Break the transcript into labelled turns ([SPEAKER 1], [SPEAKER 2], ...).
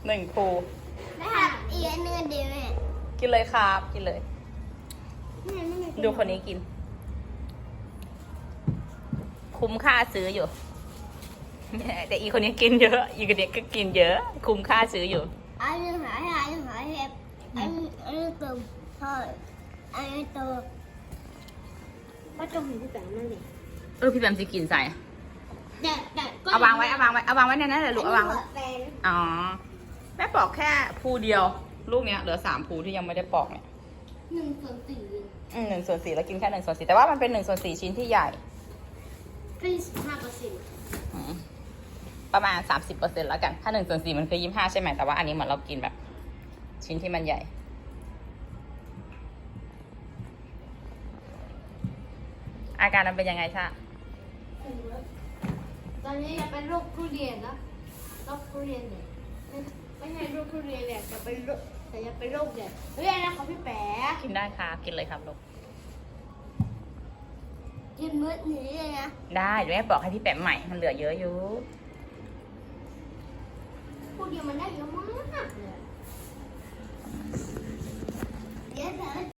[SPEAKER 1] 1 ภู
[SPEAKER 2] นะครับอีกอันนึงเดียวแม่
[SPEAKER 1] กินเลยครับกินเลย ดูคนนี้กิน คุ้มค่าซื้ออยู่ แต่อีคนนี้กินเยอะ อีคนนี้ก็กินเยอะ คุ้มค่าซื้ออยู่
[SPEAKER 2] อันนึงหายเห็บอันนึงตุ่มทอดอันนึงตัวก็จมูกพี่แป๋วนั่นเลย
[SPEAKER 1] พี่แบมจะกินใส่
[SPEAKER 2] แต่ก็
[SPEAKER 1] เอาวางไว้ในนั้นแหละลูกเอาวางไว้
[SPEAKER 2] แฟน
[SPEAKER 1] อ๋อ แม่ปอกแค่ภูเดียว ลูกเนี้ยเหลือ3 ภูที่ยังไม่ได้ปอกเนี่ย
[SPEAKER 2] 1/4
[SPEAKER 1] 1/4แล้วกินแค่1/4แต่ว่ามันเป็น1/4ชิ้นที่ใหญ่
[SPEAKER 2] เป็น15%
[SPEAKER 1] อืมประมาณ 30%แล้วกัน ถ้า1/4มันคือ25ใช่ไหมแต่ว่าอันนี้เหมือนเรากินแบบ ชิ้นที่มันใหญ่ อาการมันเป็นยังไงชะ
[SPEAKER 2] ตอนนี้อยากเป็นโรคทุเรียนนะโรคทุเรียนเนี่ยไม่ใช่โรคทุเรียนเนี่ยจะเป็นโรคแต่จะเป็นโรคเนี่ยเฮ้ยนะครับพี่แป๋
[SPEAKER 1] กินได้ครับกินเลยครับลูก
[SPEAKER 2] กินมื้อนี้เลยนะ
[SPEAKER 1] ได้เดี๋ยวแม่บอกให้พี่แปมใหม่ มันเหลือเยอะอยู่
[SPEAKER 2] พวกเดียวมันได้เยอะมากเลยเดี๋ยว